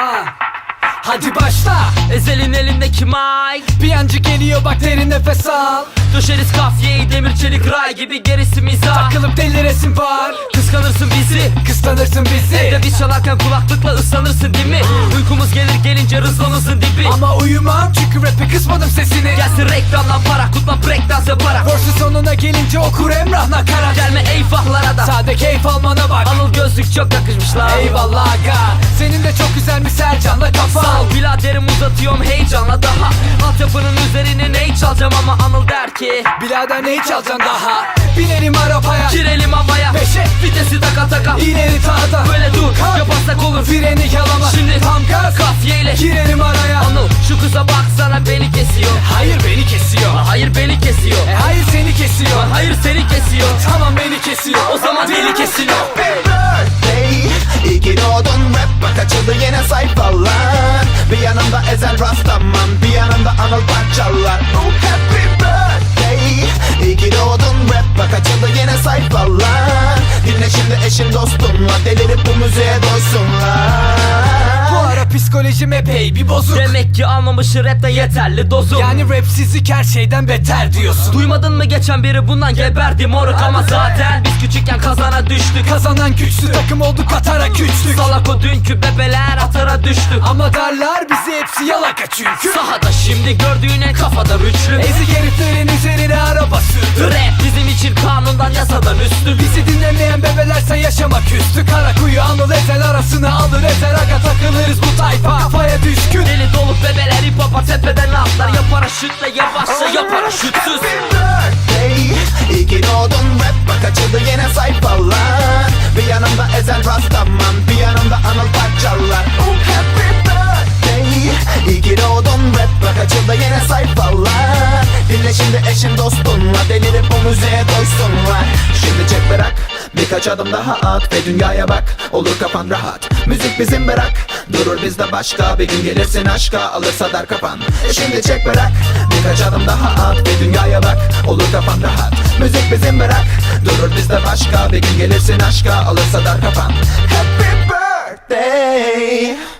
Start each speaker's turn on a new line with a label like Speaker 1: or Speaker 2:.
Speaker 1: Hadi başla.
Speaker 2: Ezel'in elindeki mic,
Speaker 1: Bir yancı geliyor bak derin nefes al.
Speaker 2: döşeriz kafyeyi demir çelik ray gibi, gerisi mizah.
Speaker 1: Takılıp deliresin var.
Speaker 2: Kıskanırsın bizi,
Speaker 1: Kıskanırsın bizi.
Speaker 2: evde biz çalarken kulaklıkla ıslanırsın değil mi? Uykumuz gelince rızlanırsın dibi.
Speaker 1: Ama uyumam çünkü rap'e kısmadım sesini.
Speaker 2: Gelsin reklamdan para, kutla breakdance yaparak.
Speaker 1: Verse sonuna gelince okur Emrah nakarat.
Speaker 2: Gelme eyvahlara da,
Speaker 1: Sade keyif almana bak.
Speaker 2: Anıl gözlük çok yakışmışlar.
Speaker 1: Eyvallah aga. Senin de çok güzelmiş Sercan'la kafa.
Speaker 2: Sağ ol biraderim, uzatıyorum heyecanla daha. Altyapının üzerine ney çalacağım ama Anıl der ki
Speaker 1: Birader neyi çalacaksın daha? Binelim arabaya,
Speaker 2: girelim havaya,
Speaker 1: Beşe.
Speaker 2: vitesi taka taka.
Speaker 1: ileri tağda.
Speaker 2: Böyle dur,
Speaker 1: Kalk.
Speaker 2: yaparsak olur.
Speaker 1: Freni yalama.
Speaker 2: Şimdi
Speaker 1: tam gaz.
Speaker 2: Kafiyeyle
Speaker 1: Girelim araya.
Speaker 2: Anıl şu kıza baksana, beni kesiyor.
Speaker 1: Hayır beni kesiyor.
Speaker 2: Hayır beni kesiyor.
Speaker 1: Hayır seni kesiyor.
Speaker 2: Hayır seni kesiyor.
Speaker 1: Tamam beni kesiyor.
Speaker 2: O zaman beni kesiyor.
Speaker 3: Birthday, iyi ki doğdun, rap bak açıldı yine sayfalar. Bir yanımda Ezel Rastaman, bir yanımda Anıl parçalar. Oh happy birthday, iyi ki doğdun, rap bak açıldı yine sayfalar. Dinle şimdi eşin dostunla, delirip bu müziğe doysunlar.
Speaker 1: Bu ara psikolojim epey bir bozuk.
Speaker 2: Demek ki almamışı rapten yeterli dozu.
Speaker 1: Yani rapsizlik her şeyden beter diyorsun.
Speaker 2: Duymadın mı geçen biri bundan geberdi moruk. Ama zaten biz küçükken kazana düştük.
Speaker 1: Kazanan güçlü takım olduk, atara güçlük.
Speaker 2: Salak o dünkü bebeler atara düştü.
Speaker 1: Ama darlar bizi, hepsi yalaka çünkü.
Speaker 2: Sahada şimdi gördüğün en kafada üçlü.
Speaker 1: Ezik heriflerin üzerine araba sürdü.
Speaker 2: Rap bizim için kanundan yasadan üstü.
Speaker 1: Bizi dinlemeyen bebelerse yaşamak üstü. Karakuyu Anıl Ezel arasına alır ezer aga, takılırız bu tayfa. Kafaya düşkün.
Speaker 2: Deli dolu bebeler hip hop'a tepeden atlar. Ya paraşütle yavaşça ya paraşütsüz.
Speaker 3: Birthday, iyi ki doğdun, rap bak açıldı yine sayfalar. Bir yanımda Ezel Rastaman, bir yanımda Anıl parçalar. Oh happy birthday, iyi ki doğdun, rap bak açıldı yine sayfalar. Dinle şimdi eşin dostunla, delirip bu müziğe doysunlar. Şimdi çek bırak, birkaç adım daha at ve dünyaya bak, olur kafan rahat. Müzik bizim bırak, durur bizde başka. Bir gün gelirsin aşka, alırsa dar kafan. Şimdi çek bırak, birkaç adım daha at ve dünyaya bak, olur kafan rahat. Müzik bizim bırak, durur bizde başka. Bir gün gelirsin aşka, alırsa dar kafan. Happy birthday.